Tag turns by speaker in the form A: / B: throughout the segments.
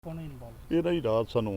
A: ਇਹ ਨਾ ਜੀ ਰਾਤ ਸਾਨੂੰ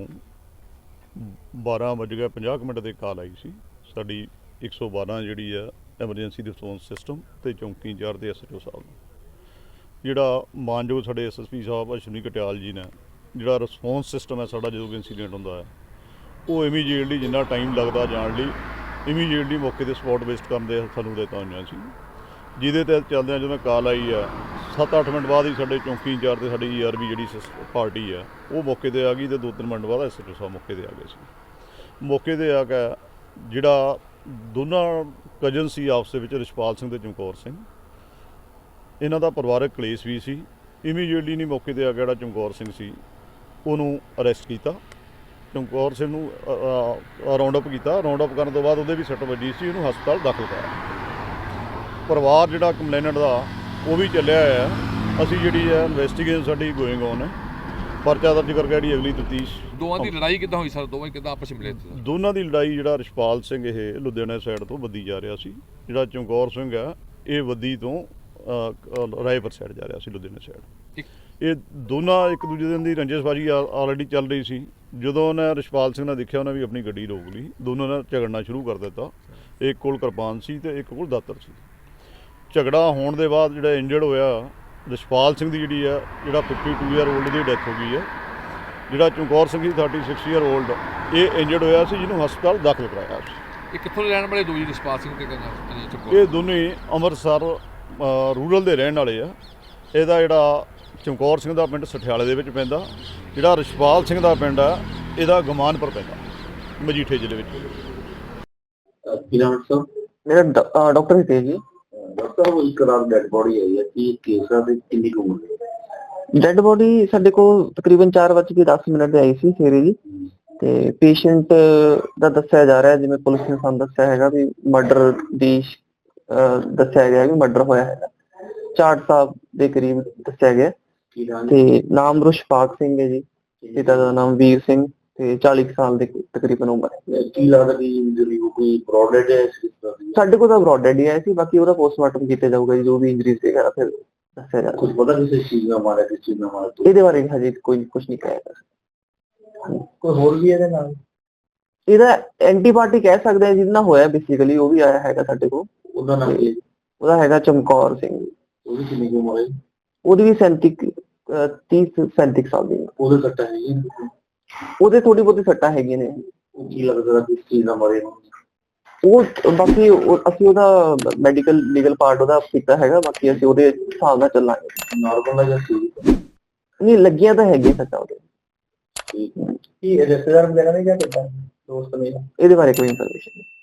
A: 12:50 ਦੇ ਕਾਲ ਆਈ ਸੀ। ਸਾਡੀ 112 ਜਿਹੜੀ ਆ ਐਮਰਜੈਂਸੀ ਰਿਸਪੌਂਸ ਸਿਸਟਮ ਤੇ ਚੌਂਕੀ ਇੰਚਾਰਜ ਦੇ ਐਸਐਚਓ ਸਾਹਿਬ ਨੂੰ, ਜਿਹੜਾ ਮਾਨਯੋਗ ਸਾਡੇ ਐਸਐਸਪੀ ਸਾਹਿਬ ਅਸ਼ਵਨੀ ਕਟਿਆਲ ਜੀ ਨੇ, ਜਿਹੜਾ ਰਿਸਪੌਂਸ ਸਿਸਟਮ ਹੈ ਸਾਡਾ ਜਦੋਂ ਵੀ ਇੰਸੀਡੈਂਟ ਹੁੰਦਾ ਹੈ ਉਹ ਇਮੀਡੀਏਟਲੀ ਜਿੰਨਾ ਟਾਈਮ ਲੱਗਦਾ ਜਾਣ ਲਈ ਇਮੀਡੀਏਟਲੀ ਮੌਕੇ 'ਤੇ ਸਪੌਟ ਬੇਸਡ ਕਰਨ ਦੇ ਸਾਨੂੰ ਹਦਾਇਤਾਂ ਹੋਈਆਂ ਸੀ, ਜਿਹਦੇ ਤੇ ਚੱਲਦਿਆਂ ਜਦੋਂ ਕਾਲ ਆਈ ਆ 7-8 ਮਿੰਟ ਬਾਅਦ ਹੀ ਸਾਡੇ ਚੌਂਕੀ ਇੰਚਾਰਜ ਤੇ ਸਾਡੀ ਈਆਰਬੀ ਜਿਹੜੀ ਪਾਰਟੀ ਆ ਉਹ ਮੌਕੇ 'ਤੇ ਆ ਗਈ ਤੇ 2-3 ਮਿੰਟ ਬਾਅਦ ਐਸਐਚਓ ਸਾਹਿਬ ਮੌਕੇ 'ਤੇ ਆ ਗਏ ਸੀ। ਮੌਕੇ 'ਤੇ ਆ ਕੇ ਜਿਹੜਾ ਦੋਨਾਂ ਕਜ਼ਨ ਸੀ ਆਪਸ ਦੇ ਵਿੱਚ, ਰਿਸ਼ਪਾਲ ਸਿੰਘ ਤੇ ਚਮਕੌਰ ਸਿੰਘ, ਇਹਨਾਂ ਦਾ ਪਰਿਵਾਰਕ ਕਲੇਸ਼ ਵੀ ਸੀ। ਇਮੀਡੀਏਟਲੀ ਨਹੀਂ ਮੌਕੇ 'ਤੇ ਆ ਕੇ ਜਿਹੜਾ ਚਮਕੌਰ ਸਿੰਘ ਸੀ ਉਹਨੂੰ ਅਰੈਸਟ ਕੀਤਾ। ਚਮਕੌਰ ਸਿੰਘ ਨੂੰ ਰਾਉਂਡ ਅਪ ਕੀਤਾ। ਰਾਉਂਡ ਅਪ ਕਰਨ ਤੋਂ ਬਾਅਦ ਉਹਦੇ ਵੀ ਸੱਟ ਵੱਜੀ ਸੀ, ਉਹਨੂੰ ਹਸਪਤਾਲ ਦਾਖਲ ਕਰਾਇਆ। ਪਰਿਵਾਰ ਜਿਹੜਾ ਕੰਪਲੇਨੈਂਟ ਦਾ ਉਹ ਵੀ ਚੱਲਿਆ ਹੋਇਆ। ਅਸੀਂ ਜਿਹੜੀ ਹੈ ਇਨਵੈਸਟੀਗੇਸ਼ਨ ਸਾਡੀ ਗੋਇੰਗ ਔਨ ਹੈ। ਪਰਚਾ ਦਰਜ ਕਰਕੇ ਜਿਹੜੀ ਅਗਲੀ ਤਫਤੀਸ਼।
B: ਦੋਵਾਂ ਦੀ ਲੜਾਈ ਕਿੱਦਾਂ ਹੋਈ ਸਰ? ਦੋਵੇਂ ਕਿੱਦਾਂ ਆਪਸ ਵਿੱਚ ਮਿਲੇ?
A: ਦੋਨਾਂ ਦੀ ਲੜਾਈ, ਜਿਹੜਾ ਰਿਸ਼ਪਾਲ ਸਿੰਘ ਇਹ ਲੁਧਿਆਣਾ ਸਾਈਡ ਤੋਂ ਵੱਦੀ ਜਾ ਰਿਹਾ ਸੀ, ਜਿਹੜਾ ਚਮਕੌਰ ਸਿੰਘ ਆ ਇਹ ਵੱਦੀ ਤੋਂ ਰਾਏਪੁਰ ਸਾਈਡ ਜਾ ਰਿਹਾ ਸੀ, ਲੁਧਿਆਣਾ ਸਾਈਡ। ਇਹ ਦੋਨਾਂ ਇੱਕ ਦੂਜੇ ਦੀ ਰੰਜਿਸ਼ਬਾਜੀ ਆਲਰੇਡੀ ਚੱਲ ਰਹੀ ਸੀ। ਜਦੋਂ ਉਹਨੇ ਰਿਸ਼ਪਾਲ ਸਿੰਘ ਨੇ ਦੇਖਿਆ, ਉਹਨੇ ਵੀ ਆਪਣੀ ਗੱਡੀ ਰੋਕ ਲਈ। ਦੋਨੋਂ ਨੇ ਝਗੜਨਾ ਸ਼ੁਰੂ ਕਰ ਦਿੱਤਾ। ਇੱਕ ਕੋਲ ਕਿਰਪਾਨ ਸੀ ਤੇ ਇੱਕ ਕੋਲ ਦਾਤਰ ਸੀ। ਝਗੜਾ ਹੋਣ ਦੇ ਬਾਅਦ ਜਿਹੜਾ ਇੰਜਰਡ ਹੋਇਆ ਰਿਸ਼ਪਾਲ ਸਿੰਘ ਦੀ ਜਿਹੜੀ ਆ, ਜਿਹੜਾ 52 ਈਅਰ ਓਲਡ ਦੀ ਡੈਥ ਹੋ ਗਈ ਹੈ। ਜਿਹੜਾ ਚਮਕੌਰ ਸਿੰਘ ਦੀ 36 ਈਅਰ ਓਲਡ ਇਹ ਇੰਜਰਡ ਹੋਇਆ ਸੀ, ਜਿਹਨੂੰ ਹਸਪਤਾਲ ਦਾਖਲ ਕਰਾਇਆ ਸੀ।
B: ਇਹ ਕਿੱਥੋਂ ਦੇ ਰਹਿਣ ਵਾਲੇ ਦੋ ਜੀ, ਰਿਸ਼ਪਾਲ ਸਿੰਘ ਤੇ ਚਮਕੌਰ?
A: ਇਹ ਦੋਨੇ ਅੰਮ੍ਰਿਤਸਰ ਰੂਰਲ ਦੇ ਰਹਿਣ ਵਾਲੇ ਆ। ਇਹਦਾ ਜਿਹੜਾ ਚਮਕੌਰ ਸਿੰਘ ਦਾ ਪਿੰਡ ਸਠਿਆਲੇ ਦੇ ਵਿੱਚ ਪੈਂਦਾ, ਜਿਹੜਾ ਰਿਸ਼ਪਾਲ ਸਿੰਘ ਦਾ ਪਿੰਡ ਆ ਇਹਦਾ ਗਮਾਨਪੁਰ ਪੈਂਦਾ, ਮਜੀਠੇ ਜ਼ਿਲ੍ਹੇ ਵਿੱਚ।
C: ਮੇਰਾ ਡਾਕਟਰ ਹਿਤੇਸ਼ ਜੀ। ਡਾਕਟਰ ਸਾਹਿਬ, ਇੱਕ ਰਾਤ ਡੈਡ ਬੋਡੀ ਆਈ ਹੈ, ਕੀ ਕੇਸ ਆ ਤੇ ਕਿੰਨੀ ਕੁ ਉਮਰ ਹੈ? ਡੈਡ ਬੋਡੀ ਸਾਡੇ ਕੋਲ ਤਕਰੀਬਨ 4:10 ਤੇ ਆਈ ਸੀ ਸਵੇਰੇ ਜੀ। ਤੇ ਪੇਸ਼ੈਂਟ ਦਾ ਦੱਸਿਆ ਜਾ ਰਿਹਾ, ਜਿਵੇਂ ਪੁਲਿਸ ਨੇ ਸਾਨੂੰ ਦੱਸਿਆ ਹੈਗਾ ਵੀ ਮਰਡਰ ਦੀ ਦੱਸਿਆ ਗਿਆ ਵੀ ਮਰਡਰ ਹੋਇਆ ਹੈਗਾ। ਚਾਟ ਸਾਹਿਬ ਦੇ ਕਰੀਬ ਦੱਸਿਆ ਗਿਆ ਤੇ ਨਾਮ ਰਿਸ਼ਪਾਲ ਸਿੰਘ ਹੈ ਜੀ, ਪਿਤਾ ਦਾ ਨਾਮ ਵੀਰ ਸਿੰਘ ਤੇ 40 ਸਾਲ ਦੇ ਤਕਰੀਬਨ ਉਮਰ ਹੈ। ਕੀ ਲੱਗਦਾ ਕਿ ਇੰਜਰੀ ਕੋਈ ਬ੍ਰੌਡਡ ਹੈ? ਸਾਡੇ ਕੋਲ ਤਾਂ ਬ੍ਰੌਡਡ ਹੀ ਆਇਆ ਸੀ, ਬਾਕੀ ਉਹਦਾ ਪੋਸਟਮਾਰਟਮ ਕੀਤਾ ਜਾਊਗਾ ਜੀ, ਜੋ ਵੀ ਇੰਜਰੀਜ਼ ਵਗੈਰਾ ਫਿਰ ਦੱਸਿਆ ਜਾਊਗਾ। ਕੁਝ ਪਤਾ ਕਿਸ ਚੀਜ਼ ਨਾਲ ਮਾਰਿਆ, ਕਿਸ ਚੀਜ਼ ਨਾਲ ਮਾਰਿਆ? ਇਹਦੇ ਬਾਰੇ ਹਜੇ ਕੋਈ ਕੁਝ ਨਹੀਂ ਕਹਿ ਸਕਦਾ। ਕੋਈ ਹੋਰ ਵੀ ਇਹਦੇ ਨਾਲ? ਇਹਦਾ ਐਂਟੀਬਾਇਓਟਿਕ ਕਹਿ ਸਕਦੇ ਆ ਜਿਹਦੇ ਨਾਲ ਹੋਇਆ ਬੇਸਿਕਲੀ, ਉਹ ਵੀ ਆਇਆ ਹੈਗਾ ਸਾਡੇ ਕੋਲ। ਉਹਦਾ ਨਾਮ ਕੀ? ਉਹਦਾ ਹੈਗਾ ਚਮਕੌਰ ਸਿੰਘ। ਉਹਦੀ ਕਿੰਨੀ ਕੁ ਉਮਰ ਹੈ? ਉਹਦੀ ਵੀ 30-37 ਸਾਲ ਦੀ। ਉਹਦੇ ਸੱਟਾਂ ਹੈਗੀਆਂ? ਉਹਦੇ ਥੋੜੀ ਬਹੁਤੀ ਸੱਟਾਂ ਹੈਗੀਆਂ ਨੇ। ਕੀ ਲੱਗਦਾ ਕਿਸ ਚੀਜ਼ ਨਾਲ ਮਾਰੇ? ਉਹ ਬਾਕੀ ਅਸੀਂ ਉਹਦਾ ਮੈਡੀਕਲ ਲੀਗਲ ਪਾਰਟ ਉਹਦਾ ਕੀਤਾ ਹੈਗਾ, ਬਾਕੀ ਅਸੀਂ ਉਹਦੇ ਹਿਸਾਬ ਨਾਲ ਚੱਲਾਂਗੇ। ਨਾਰਮਲ ਹੈ ਜਾਂ ਨਹੀਂ ਲੱਗੀਆਂ ਤਾਂ ਹੈਗੀਆਂ ਸੱਟਾਂ ਉਹਦੇ। ਕੀ ਰਿਸ਼ਤੇਦਾਰ ਵਗੈਰਾ ਨੇ ਜਾਂ ਕਿੱਦਾਂ ਦੋਸਤ ਨੇ? ਇਹਦੇ ਬਾਰੇ ਕੋਈ ਇਨਫੋਰਮੇਸ਼ਨ ਨਹੀਂ।